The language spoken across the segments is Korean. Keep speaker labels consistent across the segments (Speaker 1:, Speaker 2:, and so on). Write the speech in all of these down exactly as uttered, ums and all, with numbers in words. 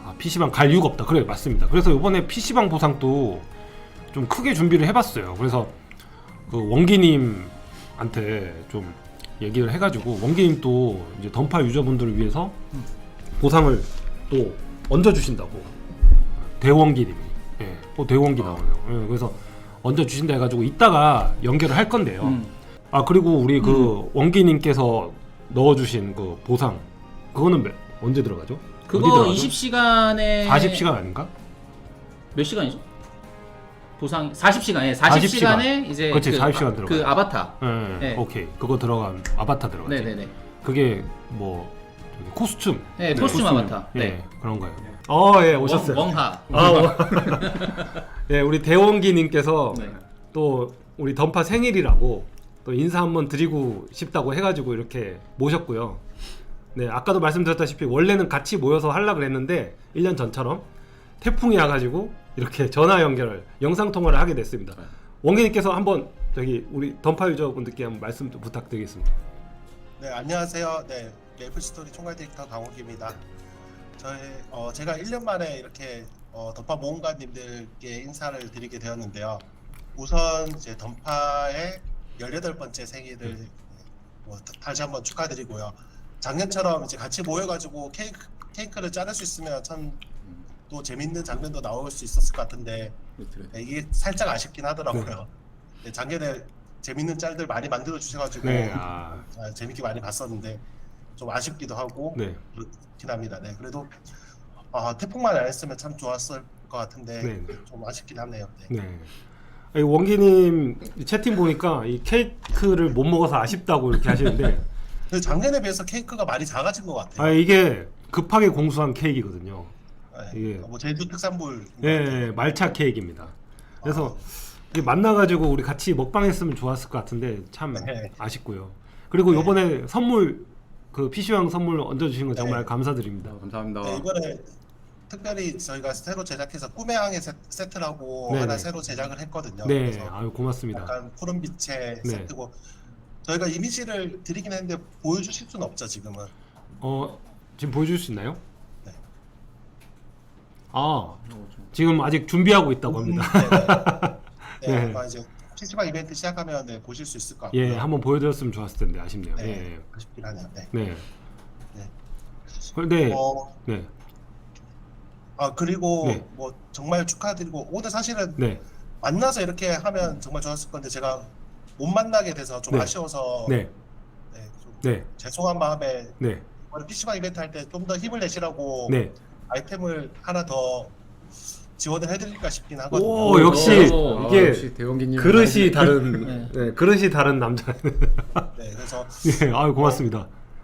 Speaker 1: 아, 피시방 갈 이유가 없다. 그래, 맞습니다. 그래서 이번에 피시방 보상도 좀 크게 준비를 해봤어요. 그래서 그 원기님한테 좀 얘기를 해가지고 원기님 또 이제 던파 유저분들을 위해서 보상을 또 얹어주신다고. 대원기님이. 예, 또 대원기 나오네요. 예, 그래서 얹어주신다 해가지고 이따가 연결을 할 건데요.
Speaker 2: 음.
Speaker 1: 아, 그리고 우리 그
Speaker 2: 음.
Speaker 1: 원기님께서 넣어주신 그 보상, 그거는 몇, 언제 들어가죠? 어디
Speaker 2: 그거
Speaker 1: 들어가죠?
Speaker 2: 이십 시간에
Speaker 1: 사십 시간 아닌가?
Speaker 2: 몇 시간이죠? 보상 사십 시간에 사십 시간에 이제
Speaker 1: 그렇지,
Speaker 2: 그,
Speaker 1: 사십 시간
Speaker 2: 아,
Speaker 1: 들어가요.
Speaker 2: 그 아바타.
Speaker 1: 네,
Speaker 2: 네.
Speaker 1: 오케이. 그거 들어간 아바타 들어가지.
Speaker 2: 네네네.
Speaker 1: 그게 뭐 저기 코스튬.
Speaker 2: 네, 코스튬 아바타.
Speaker 1: 예,
Speaker 2: 네.
Speaker 1: 그런 거예요. 어, 예, 오셨어요.
Speaker 2: 멍, 멍하.
Speaker 1: 아, 어. 예, 우리 대원기님께서
Speaker 2: 네.
Speaker 1: 또 우리 던파 생일이라고 또 인사 한번 드리고 싶다고 해가지고 이렇게 모셨고요. 네, 아까도 말씀드렸다시피 원래는 같이 모여서 하려고 그랬는데 일 년 전처럼 태풍이 와가지고 이렇게 전화 연결을, 영상 통화를 하게 됐습니다.
Speaker 2: 네.
Speaker 1: 원기님께서 한번 저기 우리 던파 유저분들께 한번 말씀 좀 부탁드리겠습니다.
Speaker 3: 네, 안녕하세요. 네, 메이플스토리 총괄 디렉터 강욱입니다. 저희 어, 제가 일 년 만에 이렇게 어, 던파 모험가님들께 인사를 드리게 되었는데요. 우선 이제 던파의 열여덟 번째 생일을 뭐, 다시 한번 축하드리고요. 작년처럼 이제 같이 모여가지고 케이크, 케이크를 자를 수 있으면 참 또 재밌는 장면도 나올 수 있었을 것 같은데 네, 이게 살짝 아쉽긴 하더라고요. 네, 작년에 재밌는 짤들 많이 만들어 주셔가지고
Speaker 1: 네, 아,
Speaker 3: 아, 재밌게 많이 봤었는데 좀 아쉽기도 하고
Speaker 1: 네,
Speaker 3: 그렇긴 합니다. 네, 그래도 아, 태풍만 안 했으면 참 좋았을 것 같은데
Speaker 1: 네.
Speaker 3: 좀 아쉽긴 하네요. 네.
Speaker 1: 네. 아니, 원기님 채팅 보니까 이 케이크를 못 먹어서 아쉽다고 이렇게 하시는데
Speaker 3: 근데 작년에 비해서 케이크가 많이 작아진 것 같아요.
Speaker 1: 아, 이게 급하게 공수한 케이크거든요.
Speaker 3: 네,
Speaker 1: 이게
Speaker 3: 뭐 제주 특산물.
Speaker 1: 예, 말차 케이크입니다. 그래서 이게 만나가지고 우리 같이 먹방했으면 좋았을 것 같은데 참
Speaker 3: 네.
Speaker 1: 아쉽고요. 그리고
Speaker 3: 네.
Speaker 1: 요번에 선물 그 피시왕 선물 얹어주신 거 정말
Speaker 3: 네.
Speaker 1: 감사드립니다.
Speaker 4: 아, 감사합니다.
Speaker 3: 네, 이번에 특별히 저희가 새로 제작해서 꿈의 항해 세- 세트라고
Speaker 1: 네네.
Speaker 3: 하나 새로 제작을 했거든요.
Speaker 1: 네,
Speaker 3: 그래서
Speaker 1: 아유 고맙습니다.
Speaker 3: 약간 푸른빛의
Speaker 1: 네.
Speaker 3: 세트고 저희가 이미지를 드리긴 했는데 보여주실 수는 없죠 지금은.
Speaker 1: 어, 지금 보여줄 수 있나요?
Speaker 3: 네.
Speaker 1: 아, 지금 아직 준비하고 있다고 합니다.
Speaker 3: 네, 네.
Speaker 1: 네.
Speaker 3: 네, 아마 이제 피시방 이벤트 시작하면 네, 보실 수 있을 것 같고요.
Speaker 1: 예, 한번 보여드렸으면 좋았을 텐데 아쉽네요.
Speaker 3: 네,
Speaker 1: 예,
Speaker 3: 아쉽긴 하네요. 네.
Speaker 1: 네.
Speaker 3: 네.
Speaker 1: 근데
Speaker 3: 어,
Speaker 1: 네,
Speaker 3: 아 그리고
Speaker 1: 네.
Speaker 3: 뭐 정말 축하드리고 오늘 사실은
Speaker 1: 네,
Speaker 3: 만나서 이렇게 하면 정말 좋았을 건데 제가 못 만나게 돼서 좀
Speaker 1: 네.
Speaker 3: 아쉬워서
Speaker 1: 네,
Speaker 3: 네, 좀
Speaker 1: 네,
Speaker 3: 죄송한 마음에
Speaker 1: 네,
Speaker 3: 이번에 피시방 이벤트 할 때 좀 더 힘을 내시라고
Speaker 1: 네.
Speaker 3: 아이템을 하나 더 지원을 해드릴까 싶긴 하거든요.
Speaker 1: 오, 역시
Speaker 2: 오,
Speaker 1: 이게
Speaker 4: 아, 역시 대원기님
Speaker 1: 그릇이 다른,
Speaker 2: 네.
Speaker 1: 네, 그릇이 다른 남자.
Speaker 3: 네, 그래서
Speaker 1: 예, 아유 고맙습니다.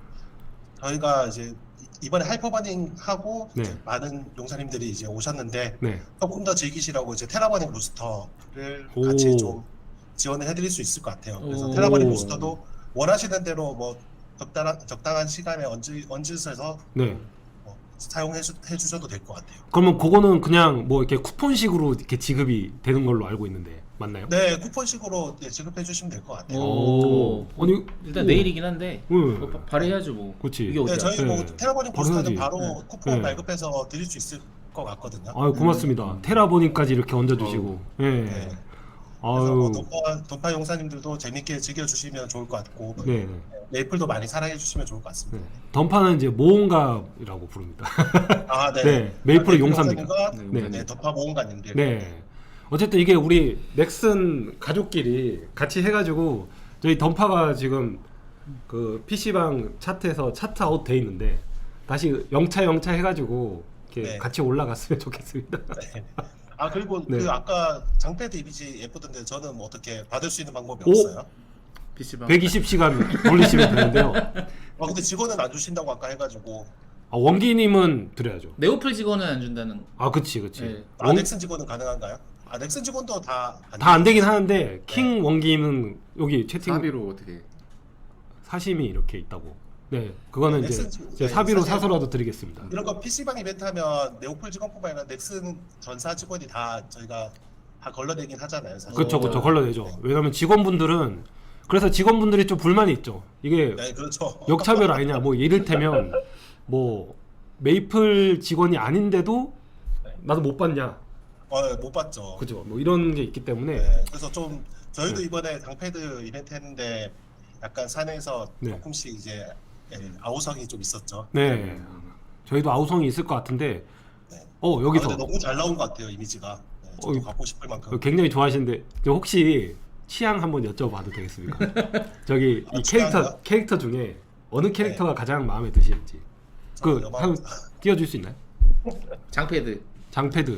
Speaker 3: 저희가 이제 이번에 하이퍼버닝 하고
Speaker 1: 네.
Speaker 3: 이제 많은 용사님들이 이제 오셨는데
Speaker 1: 네,
Speaker 3: 조금 더 즐기시라고 이제 테라버닝 부스터를
Speaker 1: 오.
Speaker 3: 같이 좀 지원을 해드릴 수 있을 것 같아요. 그래서
Speaker 2: 오.
Speaker 3: 테라버닝 부스터도 원하시는 대로 뭐 적당한 적당한 시간에 얹으, 얹으셔서
Speaker 1: 네.
Speaker 3: 뭐 사용해 주, 해주셔도 될 것 같아요.
Speaker 1: 그러면 그거는 그냥 뭐 이렇게 쿠폰식으로 이렇게 지급이 되는 걸로 알고 있는데 맞나요?
Speaker 3: 네, 쿠폰식으로 네, 지급해 주시면 될 것 같아요.
Speaker 2: 오.
Speaker 1: 아니
Speaker 2: 일단
Speaker 1: 오.
Speaker 2: 내일이긴 한데
Speaker 1: 응.
Speaker 2: 뭐 바- 발휘해야죠 뭐.
Speaker 1: 그치.
Speaker 2: 이게 어디야?
Speaker 3: 네, 저희 뭐
Speaker 1: 네.
Speaker 3: 테라버닝
Speaker 1: 바로
Speaker 3: 부스터는
Speaker 1: 해야지.
Speaker 3: 바로
Speaker 2: 네.
Speaker 3: 쿠폰
Speaker 1: 네.
Speaker 3: 발급해서 드릴 수 있을 것 같거든요.
Speaker 1: 아유 고맙습니다. 테라버닝까지 이렇게 얹어주시고. 예.
Speaker 3: 네. 그래서 뭐
Speaker 1: 아유.
Speaker 3: 돈파, 돈파 용사님들도 재밌게 즐겨주시면 좋을 것 같고
Speaker 1: 네.
Speaker 3: 메이플도 많이 사랑해 주시면 좋을 것
Speaker 1: 네.
Speaker 3: 같습니다.
Speaker 1: 던파는 이제 모험가라고 부릅니다.
Speaker 3: 아, 네.
Speaker 1: 네, 메이플의
Speaker 3: 아,
Speaker 1: 용사입니다.
Speaker 3: 용사님과
Speaker 1: 네.
Speaker 3: 네, 네, 던파 모험가님들.
Speaker 1: 네. 어쨌든 이게 우리 넥슨 가족끼리 같이 해가지고 저희 던파가 지금 그 피시방 차트에서 차트 아웃 돼 있는데 다시 영차 영차 해가지고 이렇게
Speaker 3: 네.
Speaker 1: 같이 올라갔으면 좋겠습니다.
Speaker 3: 네. 아 그리고
Speaker 1: 네.
Speaker 3: 그 아까 장패드 이미지 예쁘던데 저는 뭐 어떻게 받을 수 있는 방법이
Speaker 1: 오!
Speaker 3: 없어요?
Speaker 4: 피시방
Speaker 1: 백이십 시간 돌리시면 되는데요.
Speaker 3: 아 근데 직원은 안 주신다고 아까 해가지고
Speaker 1: 아, 원기님은 드려야죠.
Speaker 2: 네오플 직원은 안 준다는.
Speaker 1: 아, 그치, 그치.
Speaker 2: 네.
Speaker 3: 아
Speaker 1: 원-
Speaker 3: 넥슨 직원은 가능한가요? 아 넥슨 직원도 다
Speaker 1: 다 안 되긴 하는데 킹 원기는 여기 채팅
Speaker 4: 사비로 어떻게
Speaker 1: 사심이 이렇게 있다고. 네, 그거는
Speaker 3: 네,
Speaker 1: 이제
Speaker 3: 넥슨-
Speaker 1: 제가
Speaker 3: 네,
Speaker 1: 사비로
Speaker 3: 사실-
Speaker 1: 사서라도 드리겠습니다.
Speaker 3: 이런 거 피시방 이벤트 하면 네오플 직원뿐만 아니라 넥슨 전사 직원이 다 저희가 다 걸러내긴 하잖아요. 사실.
Speaker 1: 그쵸, 그쵸,
Speaker 2: 어.
Speaker 1: 걸러내죠. 왜냐면 직원분들은 그래서 직원분들이 좀 불만이 있죠. 이게
Speaker 3: 네 그렇죠.
Speaker 1: 역차별 아니냐. 뭐 이를테면 뭐 메이플 직원이 아닌데도
Speaker 3: 네.
Speaker 1: 나도 못 봤냐,
Speaker 3: 어, 못 봤죠.
Speaker 1: 그죠? 뭐 이런 게 있기 때문에
Speaker 3: 네, 그래서 좀 저희도
Speaker 1: 네.
Speaker 3: 이번에 당패드 이벤트 했는데 약간 산에서
Speaker 1: 네.
Speaker 3: 조금씩 이제 예, 아우성이 좀 있었죠.
Speaker 1: 네, 저희도 아우성이 있을 것 같은데
Speaker 3: 네.
Speaker 1: 어
Speaker 3: 아,
Speaker 1: 여기서
Speaker 3: 근데 너무 잘 나온 것 같아요 이미지가. 네, 저도
Speaker 1: 어,
Speaker 3: 갖고 싶을 만큼.
Speaker 1: 굉장히 좋아하시는데 저 혹시 취향 한번 여쭤봐도 되겠습니까? 저기
Speaker 3: 아,
Speaker 1: 이 캐릭터
Speaker 3: 취향이요?
Speaker 1: 캐릭터 중에 어느 캐릭터가 가장 마음에 드시는지 그
Speaker 3: 저는
Speaker 1: 한
Speaker 3: 여마-
Speaker 1: 띄워줄 수 있나요?
Speaker 2: 장패드.
Speaker 1: 장패드.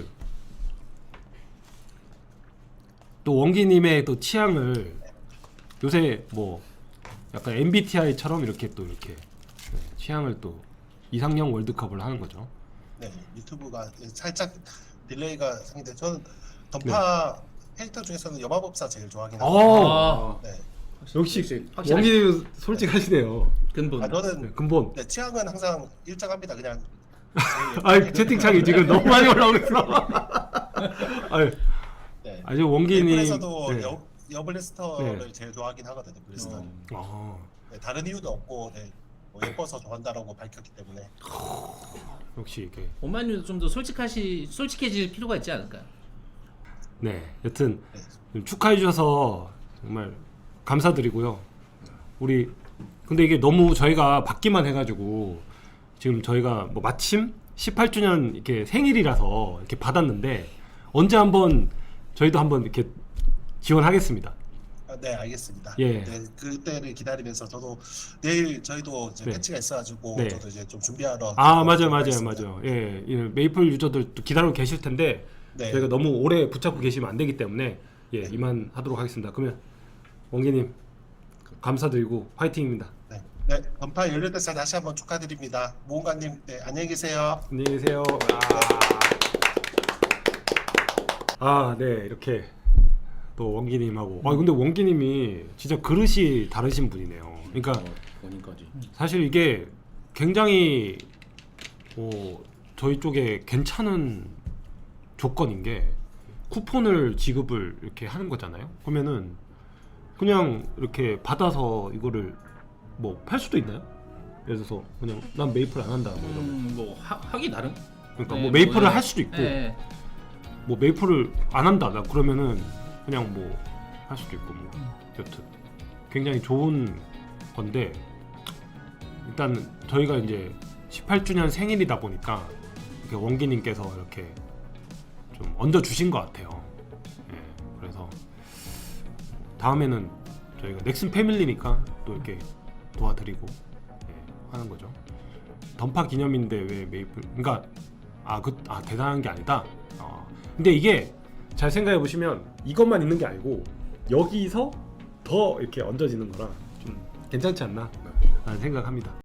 Speaker 1: 또 원기님의 또 취향을 요새 뭐 약간 엠비티아이처럼 이렇게 또 이렇게 네, 취향을 또 이상형 월드컵을 하는 거죠.
Speaker 3: 네, 유튜브가 살짝 딜레이가 생긴데 저는 던파
Speaker 1: 네.
Speaker 3: 캐릭터 중에서는 여마법사 제일 좋아하긴
Speaker 1: 어.
Speaker 3: 하거든요.
Speaker 2: 아,
Speaker 3: 네.
Speaker 1: 역시
Speaker 2: 확실하시-
Speaker 1: 원기님 솔직하시네요.
Speaker 2: 근본.
Speaker 3: 아,
Speaker 1: 네,
Speaker 3: 저는
Speaker 1: 근본.
Speaker 3: 네, 취향은 항상 일정합니다. 그냥
Speaker 1: 아 채팅창이 지금 너무 많이 올라오고 있어. 아유,
Speaker 3: 네.
Speaker 1: 아주 원기님.
Speaker 3: 그래서도
Speaker 1: 네.
Speaker 3: 여, 여블리스터를
Speaker 1: 네.
Speaker 3: 제일 좋아하긴 하거든요. 블리스터는.
Speaker 1: 아,
Speaker 3: 네, 다른 이유도 없고 네, 뭐 예뻐서 좋아한다라고 밝혔기 때문에.
Speaker 1: 역시 이게
Speaker 2: 오만유도 좀 더 솔직하시 솔직해질 필요가 있지 않을까요?
Speaker 1: 네, 여튼
Speaker 3: 네.
Speaker 1: 좀 축하해 주셔서 정말 감사드리고요. 우리 근데 이게 너무 저희가 받기만 해가지고 지금 저희가 뭐 마침 십팔 주년 이렇게 생일이라서 이렇게 받았는데 언제 한번 저희도 한번 이렇게 지원하겠습니다.
Speaker 3: 아, 네, 알겠습니다.
Speaker 1: 예.
Speaker 3: 네, 그때를 기다리면서 저도 내일 저희도 이제
Speaker 1: 네.
Speaker 3: 패치가 있어가지고
Speaker 1: 네.
Speaker 3: 저도 이제 좀 준비하러.
Speaker 1: 아 맞아요 맞아요
Speaker 3: 가겠습니다.
Speaker 1: 맞아요. 예, 이 메이플 유저들도 기다리고 계실 텐데
Speaker 3: 네.
Speaker 1: 저희가 너무 오래 붙잡고 계시면 안 되기 때문에 예
Speaker 3: 네.
Speaker 1: 이만 하도록 하겠습니다. 그러면 원기님 감사드리고 화이팅입니다.
Speaker 3: 네, 네, 던파 열릴 때 다시 한번 축하드립니다. 모험가님, 네, 안녕히 계세요.
Speaker 1: 안녕히 계세요. 아, 네 이렇게 또 원기님하고. 아 근데 원기님이 진짜 그릇이 다르신 분이네요. 그러니까
Speaker 4: 본인까지.
Speaker 1: 사실 이게 굉장히 어, 저희 쪽에 괜찮은 조건인 게 쿠폰을 지급을 이렇게 하는 거잖아요. 그러면은 그냥 이렇게 받아서 이거를 뭐 팔 수도 있나요? 예를 들어서 그냥 난 메이플 안 한다 뭐 이러면.
Speaker 2: 음, 뭐 하, 하기 나름.
Speaker 1: 그러니까
Speaker 2: 네,
Speaker 1: 뭐 메이플을
Speaker 2: 뭐,
Speaker 1: 할 수도 있고
Speaker 2: 네.
Speaker 1: 뭐 메이플을 안 한다 나 그러면은 그냥 뭐 할 수도 있고 뭐 여튼 굉장히 좋은 건데 일단 저희가 이제 십팔 주년 생일이다 보니까 이렇게 원기님께서 이렇게 좀 얹어 주신 것 같아요. 예, 그래서 다음에는 저희가 넥슨 패밀리니까 또 이렇게 도와드리고 예, 하는 거죠. 던파 기념인데 왜 메이플? 그러니까 아 그 아 대단한 게 아니다. 어, 근데 이게 잘 생각해 보시면 이것만 있는 게 아니고 여기서 더 이렇게 얹어지는 거라 좀 괜찮지 않나 라는 생각합니다.